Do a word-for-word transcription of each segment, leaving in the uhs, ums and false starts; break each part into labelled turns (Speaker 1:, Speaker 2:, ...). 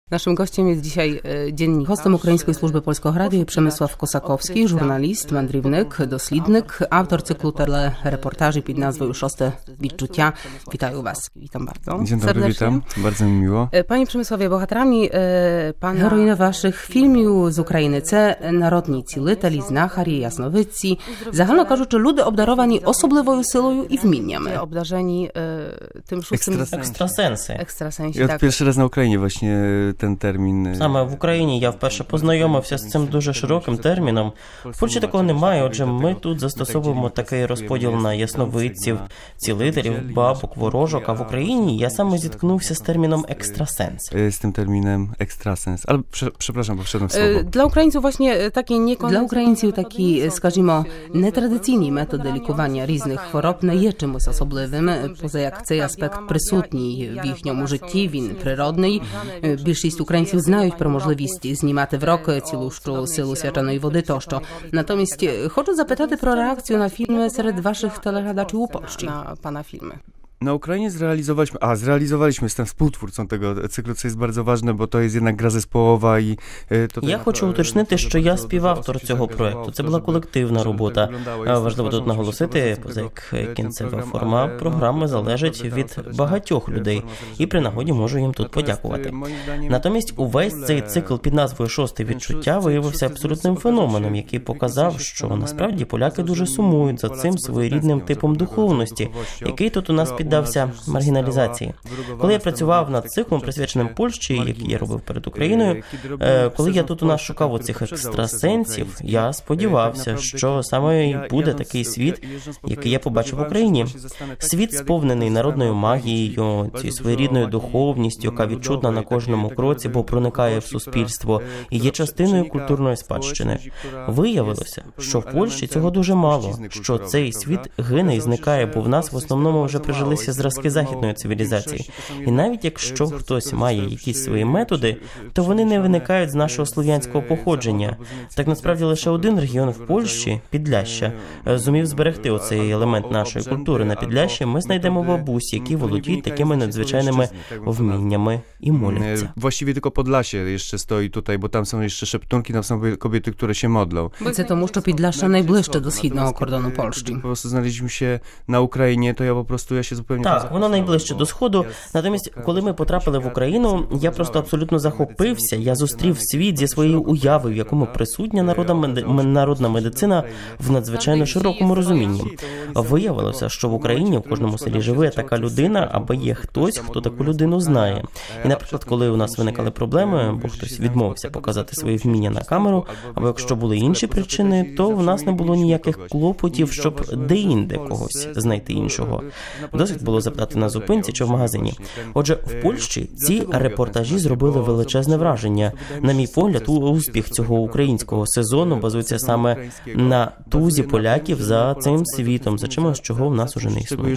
Speaker 1: Naszym gościem jest dzisiaj dziennikarz, hostem Української служби Польського радіо Przemysław Kosakowski, журналіст, мандрівник, дослідник, автор cyklу telereportaży pod nazwą Szóste Відчуття. Witaję Was. Witam bardzo
Speaker 2: Dzień dobry,
Speaker 1: serdecznie.
Speaker 2: witam. Bardzo mi miło.
Speaker 1: Panie Przemysławie, bohaterami pana героїни ваших фільмів з України – це народні цілителі, знахарі, ясновидці. Загально кажучи, люди обдаровані особливою силою і вміннями. Обдаrzeni tym szóstym...
Speaker 3: Екстрасенси.
Speaker 1: Екстрасенсі,
Speaker 2: Ja
Speaker 1: так.
Speaker 2: pierwszy raz na Ukrainie właśnie ten termin.
Speaker 3: Саме в Україні я вперше познайомився з цим дуже широким терміном. В Польщі такого немає, отже ми тут застосовуємо такий розподіл на ясновидців, цілителів, бабок, ворожок, а в Україні я саме зіткнувся з терміном екстрасенс.
Speaker 2: Z tym terminem ekstrasens. Ale prze, przepraszam, bo wszedłem w słowo.
Speaker 1: Dla Українців właśnie такі не Для українців такі, скажімо, нетрадиційні методи лікування різних хвороб не є чимось особливим, поза як цей аспект присутній в їхньому житті, він природний. Більшість українців знають про можливість знімати в рок цілущу силу свяченої води тощо. Натомість хочу запитати про реакцію на фільми серед ваших телеглядачів у Польщі. На pana filmy.
Speaker 2: Na Ukrainie zrealizowaliśmy, a zrealizowaliśmy, jestem współtwórcą tego cyklu, co jest bardzo ważne, bo to jest jednak gra zespołowa i to...
Speaker 3: Я хочу уточнити, що я співавтор цього проекту. Це була колективна робота. Важливо тут наголосити, поза як кінцева форма програми залежить від багатьох людей, і при нагоді можу їм тут подякувати. Натомість увесь цей цикл під назвою «Шосте відчуття» виявився абсолютним феноменом, який показав, що насправді поляки дуже сумують за цим своєрідним типом духовності, який тут у нас під піддався маргіналізації. Коли я працював над циклом, присвяченим Польщі, який я робив перед Україною, коли я тут у нас шукав оцих екстрасенсів, я сподівався, що саме і буде такий світ, який я побачив в Україні. Світ, сповнений народною магією, цією своєрідною духовністю, яка відчутна на кожному кроці, бо проникає в суспільство і є частиною культурної спадщини. Виявилося, що в Польщі цього дуже мало, що цей світ гине і зникає, бо в нас в основному вже прижилися зразки західної цивілізації. І навіть якщо хтось має якісь свої методи, то вони не виникають з нашого слов'янського походження. Так насправді лише один регіон в Польщі, Підляща, зумів зберегти оцей елемент нашої культури. На Підлящі ми знайдемо бабусі, які володіють такими надзвичайними вміннями і моляться.
Speaker 2: Właściwie tylko Podlasie jeszcze stoi tutaj, bo tam są jeszcze szeptunki, tam są kobiety, które się modlą.
Speaker 1: Це тому, що Підляшша найближче до східного кордону Польщі.
Speaker 2: Po prostu znaleźliśmy się na Ukrainie, to ja po prostu ja się zupełnie...
Speaker 3: Так, воно найближче до Сходу. Натомість, коли ми потрапили в Україну, я просто абсолютно захопився. Я зустрів світ зі своєю уявою, в якому присутня народна, меди... народна медицина в надзвичайно широкому розумінні. Виявилося, що в Україні в кожному селі живе така людина, або є хтось, хто таку людину знає. І, наприклад, коли у нас виникали проблеми, бо хтось відмовився показати свої вміння на камеру, або якщо були інші причини, то в нас не було ніяких клопотів, щоб де-інде когось знайти іншого. Досить було запитати на зупинці чи в магазині. Отже, в Польщі ці репортажі зробили величезне враження. На мій погляд, успіх цього українського сезону базується саме на тузі поляків за цим світом, за чимось, чого в нас уже не існує.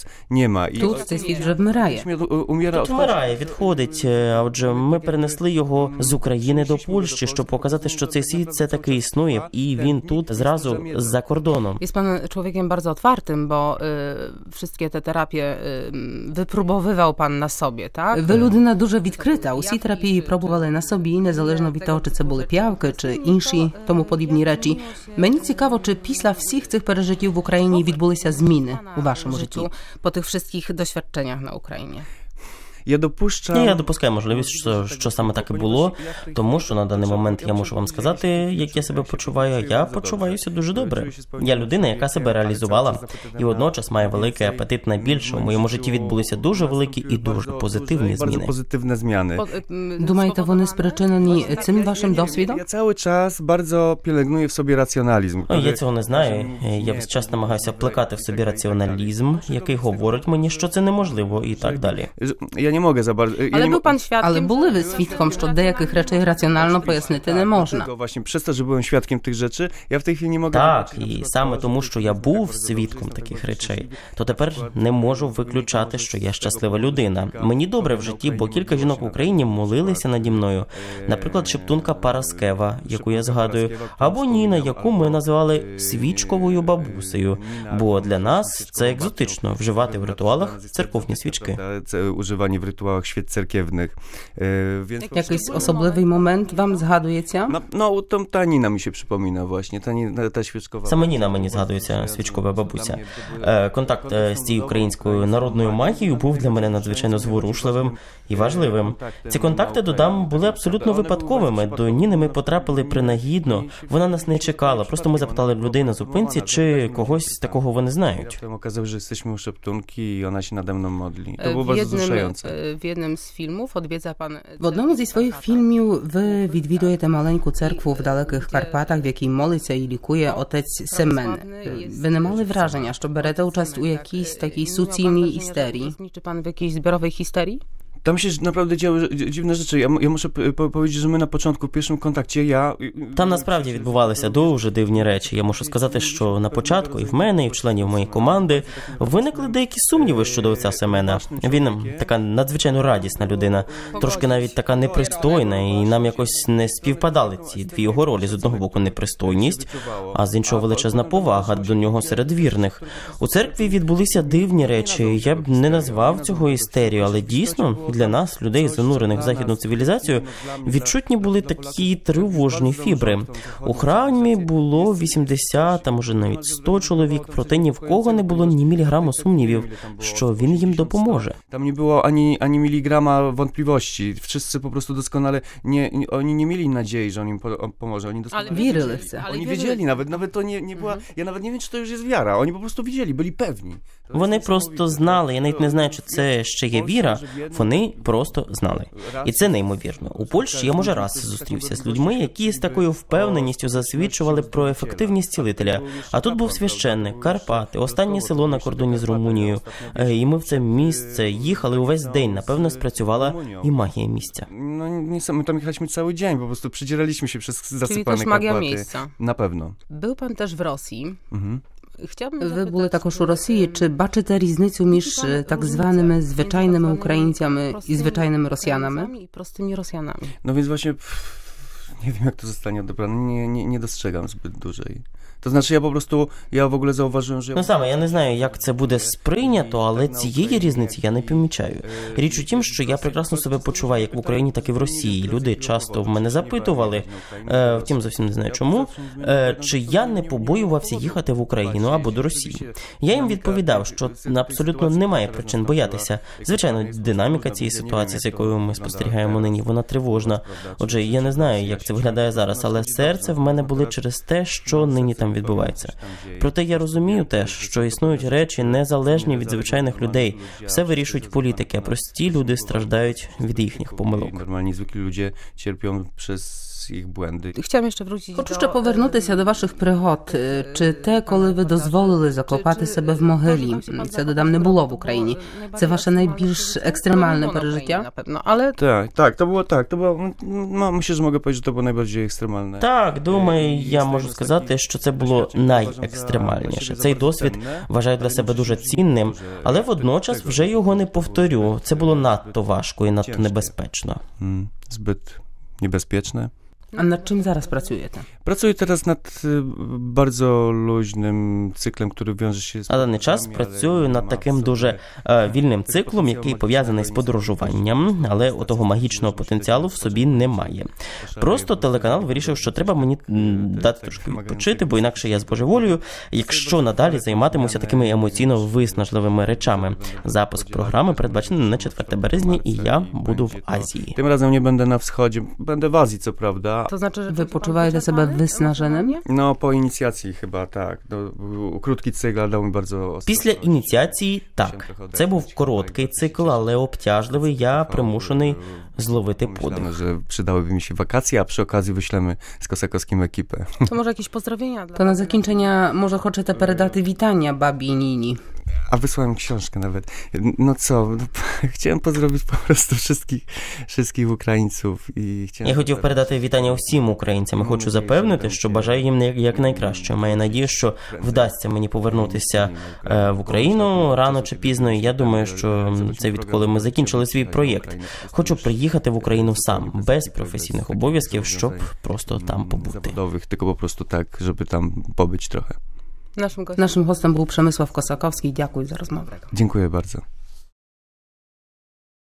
Speaker 1: Тут цей світ вже вмирає.
Speaker 3: Тут вмирає, відходить. А отже, ми перенесли його з України до Польщі, щоб показати, що цей світ це таки існує, і він тут зразу за кордоном.
Speaker 1: Jest pan człowiekiem bardzo otwartym, bo y, wszystkie te terapie y, wypróbowywał pan на собі, так? Ви людина дуже відкрита. Усі терапії пробували на собі, незалежно від того, чи це були п'явки, чи інші тому подібні речі. Мені цікаво, чи після всіх цих пережиттів в Україні відбулися зміни у вашому житті? По тих всіх досвідченнях на Україні.
Speaker 2: Я допущам...
Speaker 3: Ні, я допускаю можливість, що, що саме так і було, тому що на даний момент я можу вам сказати, як я себе почуваю. Я почуваюся дуже добре. Я людина, яка себе реалізувала, і водночас має великий апетит на більше. У моєму житті відбулися дуже великі і дуже позитивні зміни.
Speaker 2: Позитивні зміни.
Speaker 1: Думаєте, вони спричинені цим вашим досвідом?
Speaker 2: Я cały czas bardzo pielęgnuję w sobie racjonalizm.
Speaker 3: О, я цього не знаю. Я весь час намагаюся плекати в собі раціоналізм, який говорить мені, що це неможливо, і так далі.
Speaker 2: Я не можу за bardzo...
Speaker 1: Але був пан свідком, але були ви свідком, що деяких речей раціонально пояснити не можна.
Speaker 2: Właśnie przez to, że byłem świadkiem tych rzeczy, ja w tej chwili nie mogę...
Speaker 3: Так, і саме тому, що я був свідком таких речей, то тепер не можу виключати, що я щаслива людина. Мені добре в житті, бо кілька жінок в Україні молилися наді мною. Наприклад, шептунка Параскева, яку я згадую, або Ніна, яку ми називали свічковою бабусею, бо для нас це екзотично – вживати в ритуалах церковні свічки.
Speaker 2: Używanie w rytuałach świec cerkiewnych. Więc
Speaker 1: Jakiś особливий момент вам згадується?
Speaker 2: No, no to ta Nina mi się przypomina właśnie, ta, ta świeczkowa.
Speaker 3: Саме Ніна мені згадується, свічкова бабуся. Контакт з цією українською народною магією був для мене надзвичайно зворушливим і важливим. Ці контакти, додам, були абсолютно випадковими. До Ніни ми потрапили принагідно, вона нас не чекала. Просто ми запитали людей на зупинці, чи когось такого вони знають.
Speaker 2: Potem okazało się, że jesteśmy u szeptunki i ona się nade mną modli. To było bardzo wzruszające.
Speaker 1: В jednym z filmów odwiedza pan... В одному зі своїх фільмів ви відвідуєте маленьку церкву в далеких Карпатах, в якій молиться і лікує отець Семен. Ви не мали враження, що берете участь у якійсь такій суцільній істерії? Чи пан в якійсь зборовій істерії?
Speaker 2: Tam się naprawdę działy dziwne rzeczy. Ja, ja muszę po powiedzieć, że my na początku, w pierwszym kontakcie, ja...
Speaker 3: Там насправді відбувалися дуже дивні речі. Я мушу сказати, що на початку і в мене, і в членів моєї команди виникли деякі сумніви щодо отця Семена. Він така надзвичайно радісна людина, трошки навіть така непристойна, і нам якось не співпадали ці дві його ролі. З одного боку непристойність, а з іншого величезна повага до нього серед вірних. У церкві відбулися дивні речі. Я б не назвав цього істерією, але дійсно для нас, людей, занурених в західну цивілізацію, відчутні були такі тривожні фібри. У храмі було вісімдесят, а може навіть сто чоловік, проте ні в кого не було ні міліграму сумнівів, що він їм допоможе.
Speaker 2: Tam nie było ani, ani miligrama wątpliwości. Wszyscy po prostu doskonale, nie, oni nie mieli nadziei, że on im po, pomoże. Oni doskonale
Speaker 1: wierzyli w to.
Speaker 2: Oni wiedzieli nawet, nawet to nie, nie była, ja nawet nie wiem, czy to już jest wiara. Oni po prostu widzieli, byli pewni.
Speaker 3: Вони просто знали, я навіть не знаю, чи це ще є віра, вони просто знали. І це неймовірно. У Польщі я, може, раз зустрівся з людьми, які з такою впевненістю засвідчували про ефективність цілителя. А тут був священник, Карпати, останнє село на кордоні з Румунією. І ми в це місце їхали увесь день. Напевно, спрацювала і магія місця.
Speaker 2: No nie, my tam jechaliśmy cały dzień, po prostu przedzieraliśmy się przez zasypane Karpaty. Na pewno.
Speaker 1: Był pan też w Rosji.
Speaker 2: Mhm.
Speaker 1: Ви були також у Росії. Чи бачите різницю між так званими звичайними українцями і звичайними росіянами? І простими росіянами.
Speaker 2: No więc właśnie nie wiem, jak to zostanie odebrane. Nie, nie, nie dostrzegam zbyt dużej. To znaczy, ja po prostu, ja w ogóle zauważyłem, że...
Speaker 3: Ну саме, я не знаю, як це буде сприйнято, але цієї різниці я не помічаю. Річ у тім, що я прекрасно себе почуваю як в Україні, так і в Росії. Люди часто в мене запитували, е, втім зовсім не знаю чому, е, чи я не побоювався їхати в Україну або до Росії. Я їм відповідав, що абсолютно немає причин боятися. Звичайно, динаміка цієї ситуації, з якою ми спостерігаємо нині, вона тривожна. Отже, я не знаю, як це виглядає зараз, але серце в мене болить через те, що нині там відбувається. Проте я розумію теж, що існують речі незалежні від звичайних людей. Все вирішують політики, а прості люди страждають від їхніх помилок.
Speaker 2: Нормальні, звиклі люди терплять через їх бленди.
Speaker 1: Хочу ще повернутися до ваших пригод. Чи те, коли ви дозволили закопати себе в могилі, це, додам, не було в Україні. Це ваше найбільш екстремальне пережиття?
Speaker 2: Але... Так, так, то було так. То було, ну, myślę, że mogę powiedzieć, że to było najbardziej ekstremalne.
Speaker 3: Так, думаю, я можу сказати, що це було найекстремальніше. Цей досвід вважаю для себе дуже цінним, але водночас вже його не повторю. Це було надто важко і надто небезпечно.
Speaker 2: Zbyt niebezpieczne.
Speaker 1: A nad czym zaraz pracujecie?
Speaker 2: Pracuję teraz nad bardzo luźnym cyklem, który wiąże się z...
Speaker 3: На даний час працюю над таким дуже е, вільним циклом, який пов'язаний з подорожуванням, але отого магічного потенціалу в собі немає. Просто телеканал вирішив, що треба мені дати трошки відпочити, бо інакше я збожеволюю, якщо надалі займатимуся такими емоційно виснажливими речами. Запуск програми передбачений на четверте березня, і я буду в Азії.
Speaker 2: Tym razem nie będę na wschodzie, będę w Azji, co prawda.
Speaker 1: To znaczy, że wy почуваєте себе виснаженим?
Speaker 2: No, po inicjacji chyba, tak. No, krótki cykl dał mi bardzo...
Speaker 3: Після ініціації, так. Це був короткий цикл, але обтяжливий. Я примушений зловити подих.
Speaker 2: że przydałyby mi się wakacje, a przy okazji wyślemy z Kosakowskim ekipę.
Speaker 1: To może jakieś pozdrowienia? To na zakończenie może хочете передати witania babі Ніні.
Speaker 2: A wysłałem książkę nawet. No co, no, chciałem pozdrowić po prostu wszystkich, wszystkich Українців. І chciałem...
Speaker 3: Я хотів передати вітання всім українцям. Хочу запевнити, що бажаю їм якнайкраще. Маю надію, що вдасться мені повернутися е, в Україну рано чи пізно. І я думаю, що це відколи ми закінчили свій проєкт. Хочу приїхати в Україну сам, без професійних обов'язків, щоб просто там побути.
Speaker 2: Zawodowych, tylko po prostu tak, żeby tam pobyć trochę.
Speaker 1: Naszym gościem był Przemysław Kosakowski. Dziękuję za rozmowę.
Speaker 2: Dziękuję bardzo.